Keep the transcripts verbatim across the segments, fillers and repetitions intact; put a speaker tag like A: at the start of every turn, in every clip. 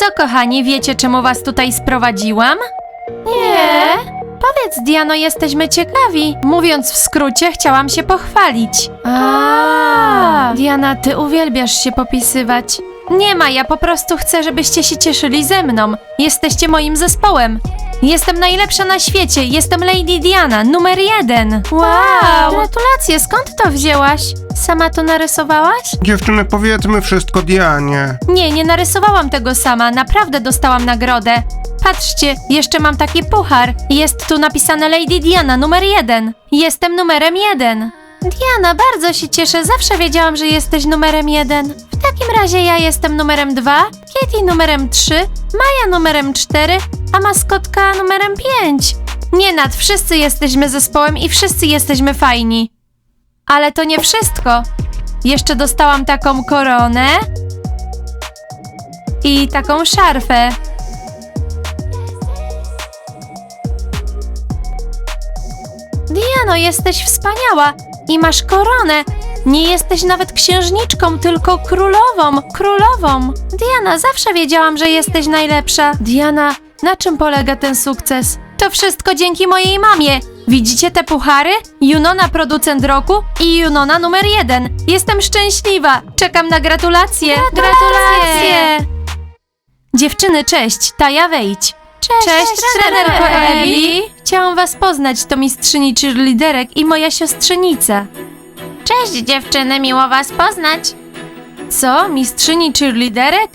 A: kochani, wiecie, czemu was tutaj sprowadziłam? Nie. Powiedz, Diano, jesteśmy ciekawi. Mówiąc w skrócie, chciałam się pochwalić. A, Diana, ty uwielbiasz się popisywać. Nie ma, ja po prostu chcę, żebyście się cieszyli ze mną. Jesteście moim zespołem. Jestem najlepsza na świecie, jestem Lady Diana, numer jeden. Wow! Gratulacje, skąd to wzięłaś? Sama to narysowałaś?
B: Dziewczyny, powiedzmy wszystko Dianie.
A: Nie, nie narysowałam tego sama, naprawdę dostałam nagrodę. Patrzcie, jeszcze mam taki puchar. Jest tu napisane Lady Diana, numer jeden. Jestem numerem jeden. Diana, bardzo się cieszę, zawsze wiedziałam, że jesteś numerem jeden. W takim razie ja jestem numerem dwa, Kitty numerem trzy, Maja numerem cztery, a maskotka numerem pięć. Nie nad, wszyscy jesteśmy zespołem i wszyscy jesteśmy fajni. Ale to nie wszystko. Jeszcze dostałam taką koronę i taką szarfę. Diano, jesteś wspaniała i masz koronę. Nie jesteś nawet księżniczką, tylko królową, królową. Diana, zawsze wiedziałam, że jesteś najlepsza. Diana, na czym polega ten sukces? To wszystko dzięki mojej mamie. Widzicie te puchary? Junona producent roku i Junona numer jeden. Jestem szczęśliwa. Czekam na gratulacje. Gratulacje! Dziewczyny, cześć. Taja, wejdź. Cześć, cześć trenerko Ebi. Chciałam was poznać, to mistrzyni cheerleaderek i moja siostrzenica. Cześć dziewczyny, miło was poznać. Co? Mistrzyni cheerleaderek?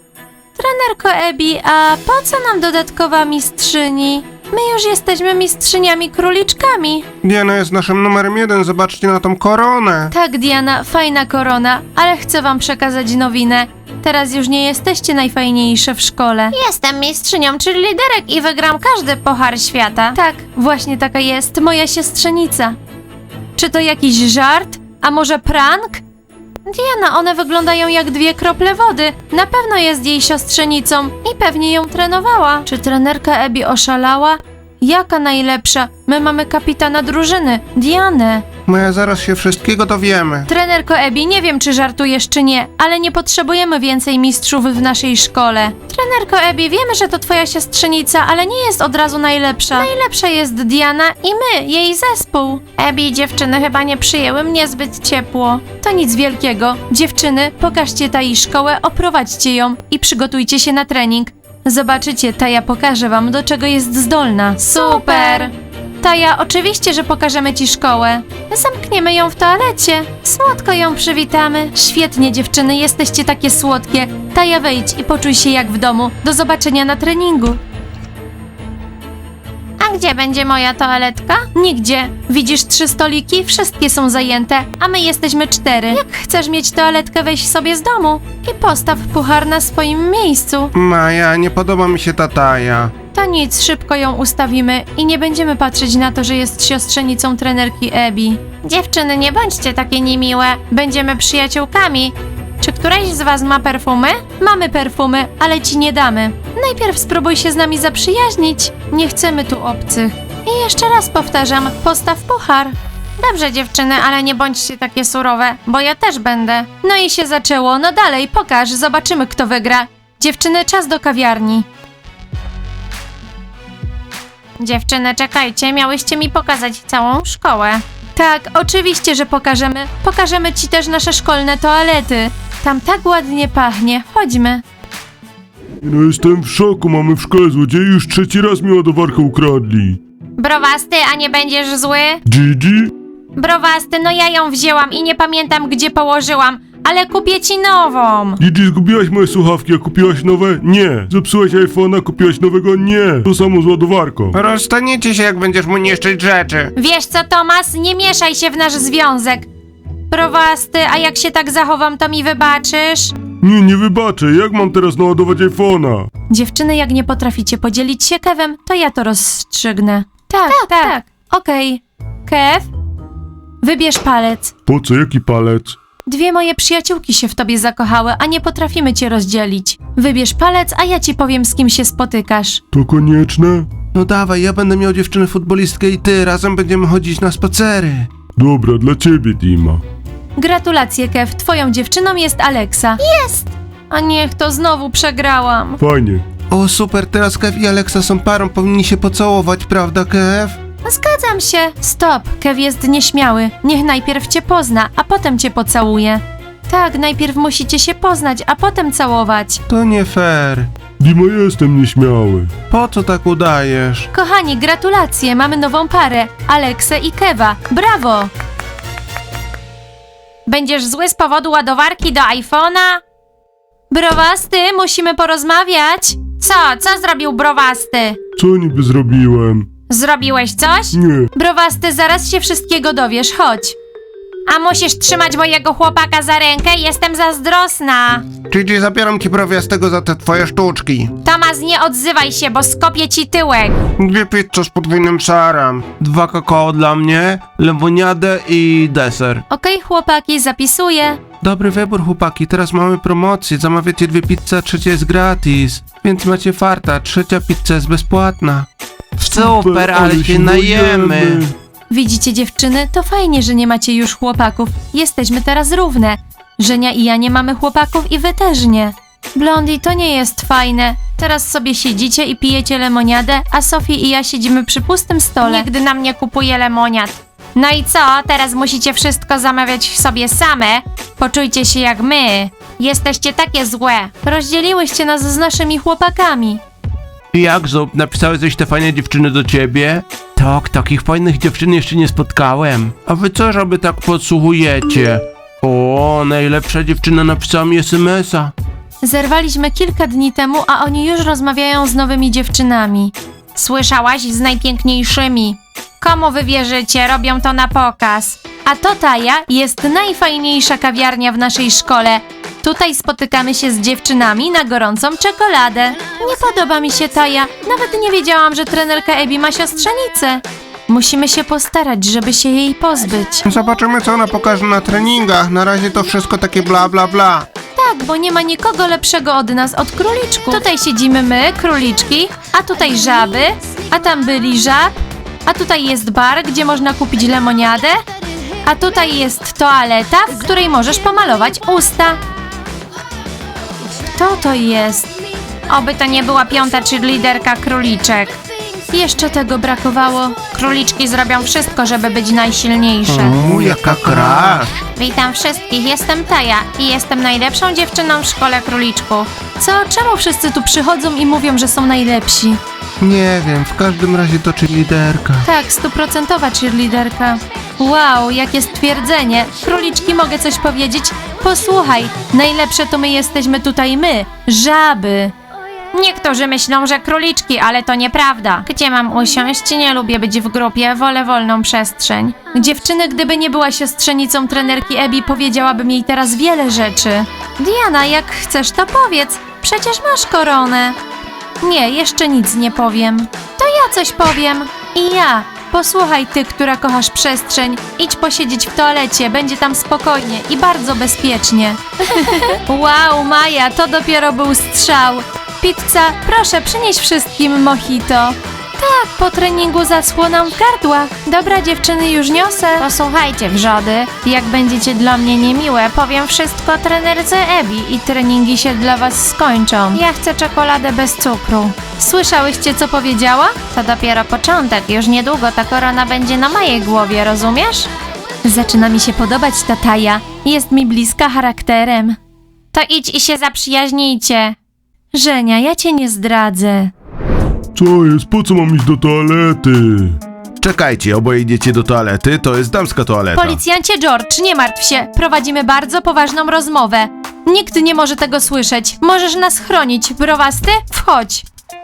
A: Trenerko Ebi, a po co nam dodatkowa mistrzyni? My już jesteśmy mistrzyniami króliczkami.
B: Diana jest naszym numerem jeden, zobaczcie na tą koronę.
A: Tak, Diana, fajna korona, ale chcę wam przekazać nowinę. Teraz już nie jesteście najfajniejsze w szkole. Jestem mistrzynią cheerleaderek i wygram każdy puchar świata. Tak, właśnie taka jest moja siostrzenica. Czy to jakiś żart? A może prank? Diana, one wyglądają jak dwie krople wody. Na pewno jest jej siostrzenicą i pewnie ją trenowała. Czy trenerka Ebi oszalała? Jaka najlepsza? My mamy kapitana drużyny, Dianę.
B: My zaraz się wszystkiego dowiemy.
A: Trenerko Ebi, nie wiem czy żartujesz czy nie, ale nie potrzebujemy więcej mistrzów w naszej szkole. Trenerko Ebi, wiemy, że to twoja siostrzenica, ale nie jest od razu najlepsza. Najlepsza jest Diana i my, jej zespół. Ebi, dziewczyny chyba nie przyjęły mnie zbyt ciepło. To nic wielkiego. Dziewczyny, pokażcie Tai szkołę, oprowadźcie ją i przygotujcie się na trening. Zobaczycie, Taja pokaże wam, do czego jest zdolna. Super! Taja, oczywiście, że pokażemy ci szkołę. Zamkniemy ją w toalecie. Słodko ją przywitamy. Świetnie, dziewczyny, jesteście takie słodkie. Taja, wejdź i poczuj się jak w domu. Do zobaczenia na treningu. A gdzie będzie moja toaletka? Nigdzie. Widzisz trzy stoliki? Wszystkie są zajęte, a my jesteśmy cztery. Jak chcesz mieć toaletkę, weź sobie z domu i postaw puchar na swoim miejscu.
B: Maja, nie podoba mi się ta Taja.
A: To nic, szybko ją ustawimy i nie będziemy patrzeć na to, że jest siostrzenicą trenerki Ebi. Dziewczyny, nie bądźcie takie niemiłe. Będziemy przyjaciółkami. Czy któraś z was ma perfumy? Mamy perfumy, ale ci nie damy. Najpierw spróbuj się z nami zaprzyjaźnić. Nie chcemy tu obcych. I jeszcze raz powtarzam, postaw puchar. Dobrze dziewczyny, ale nie bądźcie takie surowe, bo ja też będę. No i się zaczęło, no dalej, pokaż, zobaczymy kto wygra. Dziewczyny, czas do kawiarni. Dziewczyny, czekajcie, miałyście mi pokazać całą szkołę. Tak, oczywiście, że pokażemy. Pokażemy ci też nasze szkolne toalety. Tam tak ładnie pachnie. Chodźmy.
C: No jestem w szoku, mamy w szkole złodziei, już trzeci raz mi ładowarkę ukradli.
A: Browasty, a nie będziesz zły?
C: Gigi?
A: Browasty, no ja ją wzięłam i nie pamiętam gdzie położyłam, ale kupię ci nową.
C: Gigi, zgubiłaś moje słuchawki, a kupiłaś nowe? Nie. Zepsułaś iPhone'a, kupiłaś nowego? Nie. To samo z ładowarką.
B: Rozstaniecie się, jak będziesz mu niszczyć rzeczy.
A: Wiesz co, Tomas? Nie mieszaj się w nasz związek. Browasty, a jak się tak zachowam, to mi wybaczysz?
C: Nie, nie wybaczę, jak mam teraz naładować iPhone'a?
A: Dziewczyny, jak nie potraficie podzielić się Kevem, to ja to rozstrzygnę. Tak, tak, tak. Okej. Kev, wybierz palec.
C: Po co, jaki palec?
A: Dwie moje przyjaciółki się w tobie zakochały, a nie potrafimy cię rozdzielić. Wybierz palec, a ja ci powiem, z kim się spotykasz.
C: To konieczne?
B: No dawaj, ja będę miał dziewczynę futbolistkę i ty, razem będziemy chodzić na spacery.
C: Dobra, dla ciebie, Dima.
A: Gratulacje, Kev. Twoją dziewczyną jest Alexa. Jest! A niech to znowu przegrałam.
C: Fajnie.
B: O super, teraz Kev i Alexa są parą, powinni się pocałować, prawda Kev?
A: Zgadzam się. Stop, Kev jest nieśmiały. Niech najpierw cię pozna, a potem cię pocałuje. Tak, najpierw musicie się poznać, a potem całować.
B: To nie fair.
C: Dima, jestem nieśmiały.
B: Po co tak udajesz?
A: Kochani, gratulacje, mamy nową parę. Aleksę i Keva. Brawo! Będziesz zły z powodu ładowarki do iPhone'a? Browasty, musimy porozmawiać. Co? Co zrobił Browasty?
C: Co niby zrobiłem?
A: Zrobiłeś coś?
C: Nie.
A: Browasty, zaraz się wszystkiego dowiesz, chodź. A musisz trzymać mojego chłopaka za rękę, jestem zazdrosna.
B: Gigi, zabieram ci browiastego za te twoje sztuczki.
A: Tomas, nie odzywaj się, bo skopię ci tyłek.
B: Dwie pizze z podwójnym serem. Dwa kakao dla mnie, lemoniadę i deser.
A: Okej, chłopaki, zapisuję.
B: Dobry wybór, chłopaki. Teraz mamy promocję. Zamawiacie dwie pizze, a trzecia jest gratis. Więc macie farta. Trzecia pizza jest bezpłatna. Super, ale się najemy.
A: Widzicie, dziewczyny? To fajnie, że nie macie już chłopaków. Jesteśmy teraz równe. Żenia i ja nie mamy chłopaków i wy też nie. Blondie, to nie jest fajne. Teraz sobie siedzicie i pijecie lemoniadę, a Sophie i ja siedzimy przy pustym stole. Nigdy nam nie kupuje lemoniad. No i co? Teraz musicie wszystko zamawiać sobie same? Poczujcie się jak my. Jesteście takie złe. Rozdzieliłyście nas z naszymi chłopakami.
B: Jak, Zub? Napisały coś te fajne dziewczyny do ciebie? Tak, takich fajnych dziewczyn jeszcze nie spotkałem. A wy co, żeby tak podsłuchujecie? O, najlepsza dziewczyna napisała mi es em es a.
A: Zerwaliśmy kilka dni temu, a oni już rozmawiają z nowymi dziewczynami. Słyszałaś? Z najpiękniejszymi. Komu wy wierzycie? Robią to na pokaz. A to Taja jest najfajniejsza kawiarnia w naszej szkole. Tutaj spotykamy się z dziewczynami na gorącą czekoladę. Nie podoba mi się Taja. Nawet nie wiedziałam, że trenerka Ebi ma siostrzenicę. Musimy się postarać, żeby się jej pozbyć.
B: Zobaczymy, co ona pokaże na treningach. Na razie to wszystko takie bla bla bla.
A: Tak, bo nie ma nikogo lepszego od nas, od króliczków. Tutaj siedzimy my, króliczki, a tutaj żaby, a tam byli żab, a tutaj jest bar, gdzie można kupić lemoniadę, a tutaj jest toaleta, w której możesz pomalować usta. To to jest. Oby to nie była piąta cheerleaderka króliczek. Jeszcze tego brakowało. Króliczki zrobią wszystko, żeby być najsilniejsze.
B: O, jaka crush.
A: Witam wszystkich, jestem Taja i jestem najlepszą dziewczyną w szkole króliczków. Co? Czemu wszyscy tu przychodzą i mówią, że są najlepsi?
B: Nie wiem, w każdym razie to cheerleaderka.
A: Tak, stuprocentowa cheerleaderka. Wow, jakie stwierdzenie. Króliczki, mogę coś powiedzieć? Posłuchaj, najlepsze to my jesteśmy tutaj my, żaby. Niektórzy myślą, że króliczki, ale to nieprawda. Gdzie mam usiąść? Nie lubię być w grupie, wolę wolną przestrzeń. Dziewczyny, gdyby nie była siostrzenicą trenerki Ebi, powiedziałabym jej teraz wiele rzeczy. Diana, jak chcesz, to powiedz. Przecież masz koronę. Nie, jeszcze nic nie powiem. To ja coś powiem. I ja. Posłuchaj ty, która kochasz przestrzeń. Idź posiedzieć w toalecie, będzie tam spokojnie i bardzo bezpiecznie. Wow, Maja, to dopiero był strzał. Pizza, proszę przynieś wszystkim mojito. Tak, po treningu zaschło nam w gardłach. Dobra, dziewczyny, już niosę. Posłuchajcie, wrzody, jak będziecie dla mnie niemiłe, powiem wszystko trenerce Ebi i treningi się dla was skończą. Ja chcę czekoladę bez cukru. Słyszałyście, co powiedziała? To dopiero początek, już niedługo ta korona będzie na mojej głowie, rozumiesz? Zaczyna mi się podobać ta Taja. Jest mi bliska charakterem. To idź i się zaprzyjaźnijcie. Żenia, ja cię nie zdradzę.
C: Co jest? Po co mam iść do toalety?
B: Czekajcie, oboje idziecie do toalety, to jest damska toaleta.
A: Policjancie George, nie martw się. Prowadzimy bardzo poważną rozmowę. Nikt nie może tego słyszeć. Możesz nas chronić. Browasty? Wchodź.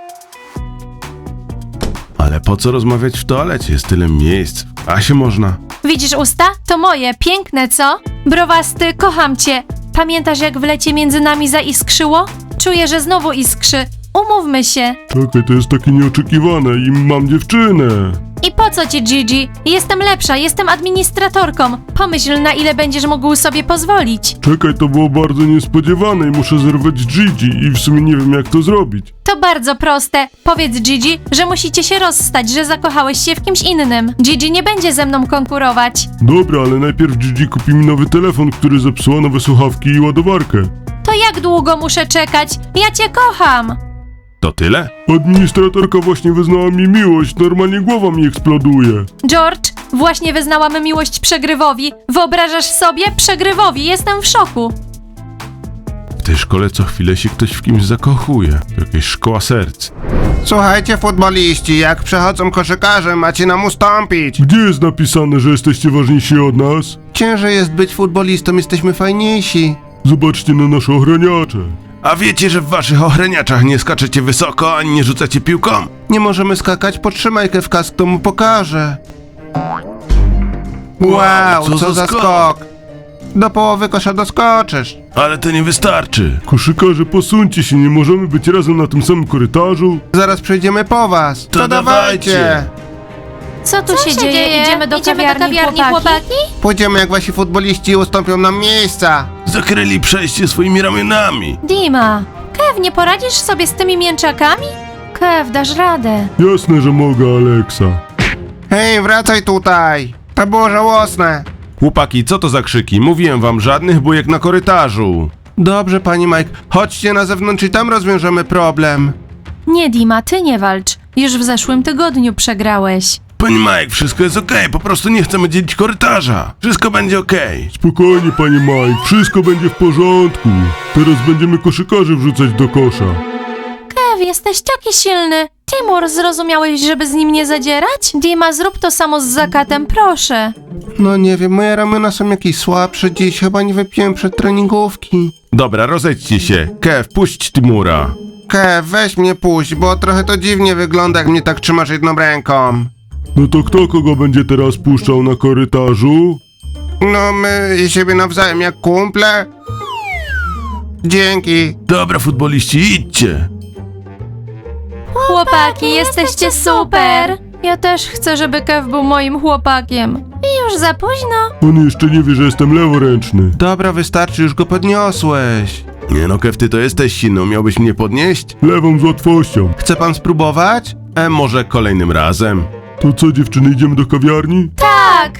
B: Ale po co rozmawiać w toalecie? Jest tyle miejsc. A się można.
A: Widzisz usta? To moje. Piękne, co? Browasty, kocham cię. Pamiętasz, jak w lecie między nami zaiskrzyło? Czuję, że znowu iskrzy. Umówmy się.
C: Czekaj, to jest takie nieoczekiwane i mam dziewczynę.
A: I po co ci, Gigi? Jestem lepsza, jestem administratorką. Pomyśl, na ile będziesz mógł sobie pozwolić.
C: Czekaj, to było bardzo niespodziewane i muszę zerwać Gigi i w sumie nie wiem, jak to zrobić.
A: To bardzo proste. Powiedz Gigi, że musicie się rozstać, że zakochałeś się w kimś innym. Gigi nie będzie ze mną konkurować.
C: Dobra, ale najpierw Gigi kupi mi nowy telefon, który zepsuła, nowe słuchawki i ładowarkę.
A: To jak długo muszę czekać? Ja cię kocham!
C: To tyle? Administratorka właśnie wyznała mi miłość, normalnie głowa mi eksploduje.
A: George, właśnie wyznałam miłość przegrywowi. Wyobrażasz sobie? Przegrywowi, jestem w szoku.
C: W tej szkole co chwilę się ktoś w kimś zakochuje. To jakaś szkoła serc.
D: Słuchajcie, futboliści, jak przechodzą koszykarze, macie nam ustąpić.
C: Gdzie jest napisane, że jesteście ważniejsi od nas?
D: Ciężej jest być futbolistą, jesteśmy fajniejsi.
C: Zobaczcie na nasze ochraniacze.
B: A wiecie, że w waszych ochraniaczach nie skaczecie wysoko, ani nie rzucacie piłką?
D: Nie możemy skakać, potrzymaj Kewkas, kto mu pokaże. Wow, co, za skok. Do połowy kosza doskoczysz.
B: Ale to nie wystarczy.
C: Koszykarze, posuńcie się, nie możemy być razem na tym samym korytarzu.
D: Zaraz przejdziemy po was.
B: To dawajcie.
A: Co tu się, dzieje? Idziemy do kawiarni, chłopaki?
D: Pójdziemy jak wasi futboliści i ustąpią nam miejsca.
B: Zakryli przejście swoimi ramionami.
A: Dima, Kev, nie poradzisz sobie z tymi mięczakami? Kev, dasz radę.
C: Jasne, że mogę, Aleksa.
D: Hej, wracaj tutaj. To było żałosne.
B: Chłopaki, co to za krzyki? Mówiłem wam, żadnych bujek na korytarzu.
D: Dobrze, pani Mike, chodźcie na zewnątrz i tam rozwiążemy problem.
A: Nie, Dima, ty nie walcz. Już w zeszłym tygodniu przegrałeś.
B: Pani Mike, wszystko jest okej, po prostu nie chcemy dzielić korytarza. Wszystko będzie okej.
C: Spokojnie, panie Mike, wszystko będzie w porządku. Teraz będziemy koszykarzy wrzucać do kosza.
A: Kev, jesteś taki silny. Timur, zrozumiałeś, żeby z nim nie zadzierać? Dima, zrób to samo z zakatem, proszę.
D: No nie wiem, moje ramiona są jakieś słabsze dziś, chyba nie wypiłem przed treningówki.
B: Dobra, rozejdźcie się. Kev, puść Timura.
D: Kev, weź mnie puść, bo trochę to dziwnie wygląda, jak mnie tak trzymasz jedną ręką.
C: No to kto kogo będzie teraz puszczał na korytarzu?
D: No my i siebie nawzajem jak kumple. Dzięki.
B: Dobra, futboliści, idźcie.
A: Chłopaki, jesteście super! Ja też chcę, żeby Kev był moim chłopakiem. I już za późno.
C: On jeszcze nie wie, że jestem leworęczny.
D: Dobra, wystarczy, już go podniosłeś.
B: Nie no, Kev, ty to jesteś silny, miałbyś mnie podnieść?
C: Lewą z łatwością.
D: Chce pan spróbować?
B: E, może kolejnym razem.
C: To co, dziewczyny, idziemy do kawiarni?
A: Tak!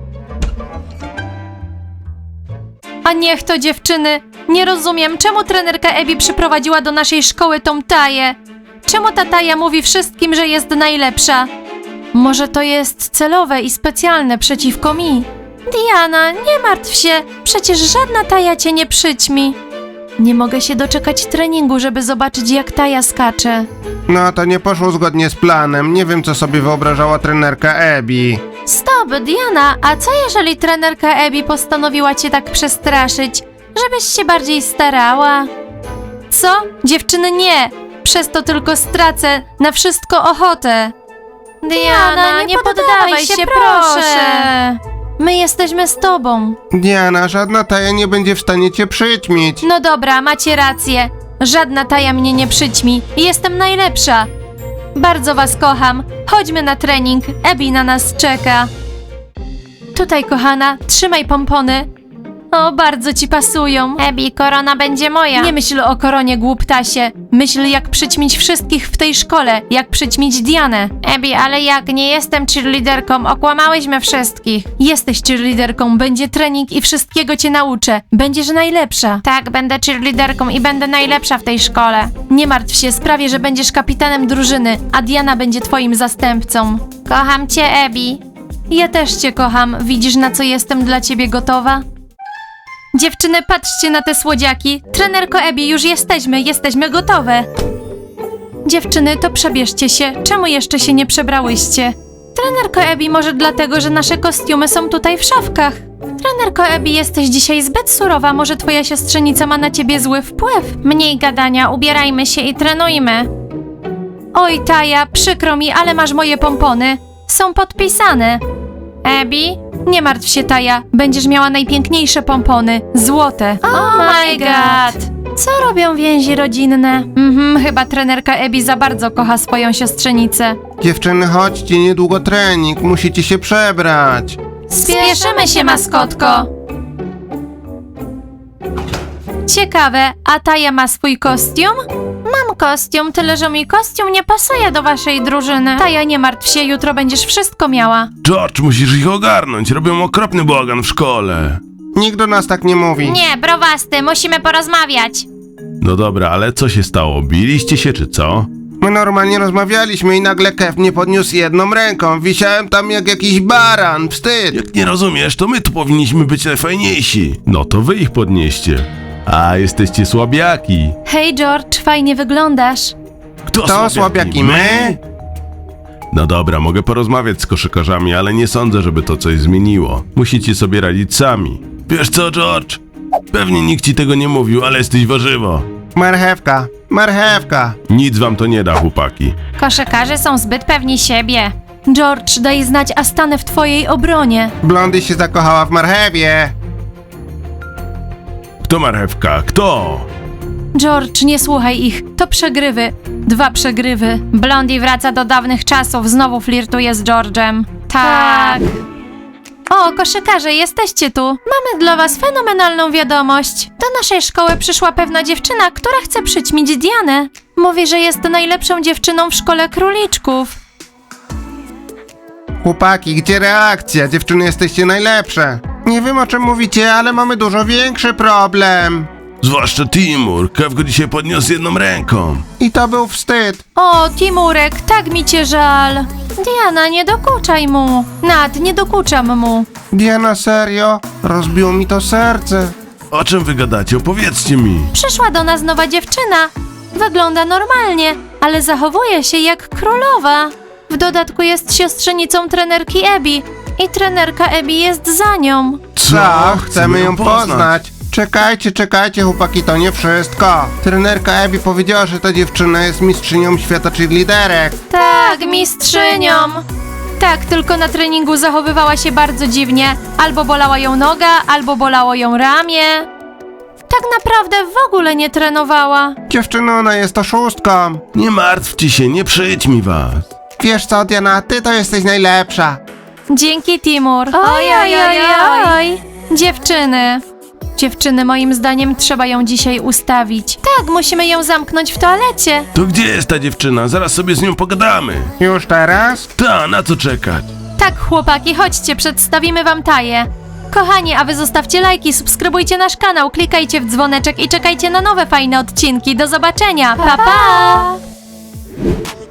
A: A niech to dziewczyny. Nie rozumiem, czemu trenerka Ebi przyprowadziła do naszej szkoły tą Taję. Czemu ta Taja mówi wszystkim, że jest najlepsza? Może to jest celowe i specjalne przeciwko mi? Diana, nie martw się, przecież żadna Taja cię nie przyćmi. Nie mogę się doczekać treningu, żeby zobaczyć, jak Taja skacze.
D: No to nie poszło zgodnie z planem, nie wiem co sobie wyobrażała trenerka Ebi.
A: Stop, Diana, a co jeżeli trenerka Ebi postanowiła cię tak przestraszyć, żebyś się bardziej starała? Co? Dziewczyny, nie! Przez to tylko stracę na wszystko ochotę. Diana, nie, nie poddawaj się, proszę. My jesteśmy z tobą.
D: Diana, żadna Taja nie będzie w stanie cię przyćmić.
A: No dobra, macie rację. Żadna Taja mnie nie przyćmi. Jestem najlepsza. Bardzo was kocham. Chodźmy na trening. Ebi na nas czeka. Tutaj, kochana, trzymaj pompony. O, bardzo ci pasują. Ebi, korona będzie moja. Nie myśl o koronie, głuptasie. Myśl, jak przyćmić wszystkich w tej szkole. Jak przyćmić Dianę. Ebi, ale jak? Nie jestem cheerleaderką. Okłamałyśmy wszystkich. Jesteś cheerleaderką. Będzie trening i wszystkiego cię nauczę. Będziesz najlepsza. Tak, będę cheerleaderką i będę najlepsza w tej szkole. Nie martw się, sprawię, że będziesz kapitanem drużyny, a Diana będzie twoim zastępcą. Kocham cię, Ebi. Ja też cię kocham. Widzisz, na co jestem dla ciebie gotowa? Dziewczyny, patrzcie na te słodziaki. Trenerko Ebi, już jesteśmy, jesteśmy gotowe. Dziewczyny, to przebierzcie się. Czemu jeszcze się nie przebrałyście? Trenerko Ebi, może dlatego, że nasze kostiumy są tutaj w szafkach. Trenerko Ebi, jesteś dzisiaj zbyt surowa, może twoja siostrzenica ma na ciebie zły wpływ. Mniej gadania, ubierajmy się i trenujmy. Oj, Taja, przykro mi, ale masz moje pompony. Są podpisane. Ebi? Nie martw się, Taja. Będziesz miała najpiękniejsze pompony. Złote. Oh my god! Co robią więzi rodzinne? Mhm, chyba trenerka Ebi za bardzo kocha swoją siostrzenicę.
D: Dziewczyny, chodźcie, niedługo trening, musicie się przebrać.
A: Spieszymy się, maskotko! Ciekawe, a Taja ma swój kostium? Mam kostium, tyle że mój kostium nie pasuje do waszej drużyny. Taja, nie martw się, jutro będziesz wszystko miała.
B: George, musisz ich ogarnąć, robią okropny bałagan w szkole.
D: Nikt do nas tak nie mówi.
A: Nie, browasty, musimy porozmawiać.
C: No dobra, ale co się stało? Biliście się czy co?
D: My normalnie rozmawialiśmy i nagle Kev mnie podniósł jedną ręką. Wisiałem tam jak jakiś baran. Wstyd.
C: Jak nie rozumiesz, to my tu powinniśmy być najfajniejsi. No to wy ich podnieście. A, jesteście słabiaki.
A: Hej, George, fajnie wyglądasz.
C: Kto
D: To słabiaki my?
C: No dobra, mogę porozmawiać z koszykarzami, ale nie sądzę, żeby to coś zmieniło. Musicie sobie radzić sami. Wiesz co, George? Pewnie nikt ci tego nie mówił, ale jesteś warzywo.
D: Marchewka, marchewka.
C: Nic wam to nie da, chłopaki.
A: Koszykarze są zbyt pewni siebie. George, daj znać, a stanę w twojej obronie.
D: Blondy się zakochała w marchewie.
C: Kto marchewka? Kto?
A: George, nie słuchaj ich. To przegrywy. Dwa przegrywy. Blondie wraca do dawnych czasów, znowu flirtuje z George'em. Tak. O, koszykarze, jesteście tu. Mamy dla was fenomenalną wiadomość. Do naszej szkoły przyszła pewna dziewczyna, która chce przyćmić Dianę. Mówi, że jest najlepszą dziewczyną w szkole króliczków.
D: Chłopaki, gdzie reakcja? Dziewczyny, jesteście najlepsze. Nie wiem, o czym mówicie, ale mamy dużo większy problem.
C: Zwłaszcza Timur. Kev go dzisiaj podniósł jedną ręką.
D: I to był wstyd.
A: O, Timurek, tak mi cię żal. Diana, nie dokuczaj mu. Nat, nie dokuczam mu.
D: Diana, serio? Rozbiło mi to serce.
C: O czym wy gadacie? Opowiedzcie mi.
A: Przyszła do nas nowa dziewczyna. Wygląda normalnie, ale zachowuje się jak królowa. W dodatku jest siostrzenicą trenerki Ebi i trenerka Ebi jest za nią.
D: Co? Chcemy ją poznać. Czekajcie, czekajcie, chłopaki, to nie wszystko. Trenerka Ebi powiedziała, że ta dziewczyna jest mistrzynią świata cheerleaderek.
A: Tak, mistrzynią. Tak, tylko na treningu zachowywała się bardzo dziwnie. Albo bolała ją noga, albo bolało ją ramię. Tak naprawdę w ogóle nie trenowała.
D: Dziewczyno, ona jest oszustką.
C: Nie martwcie się, nie przyjdź mi was.
D: Wiesz co, Diana, ty to jesteś najlepsza.
A: Dzięki, Timur. Oj, oj, oj, oj. Dziewczyny. Dziewczyny, moim zdaniem trzeba ją dzisiaj ustawić. Tak, musimy ją zamknąć w toalecie.
C: To gdzie jest ta dziewczyna? Zaraz sobie z nią pogadamy.
D: Już teraz?
C: Ta, na co czekać?
A: Tak, chłopaki, chodźcie, przedstawimy wam Taję. Kochani, a wy zostawcie lajki, subskrybujcie nasz kanał, klikajcie w dzwoneczek i czekajcie na nowe fajne odcinki. Do zobaczenia. Pa, pa!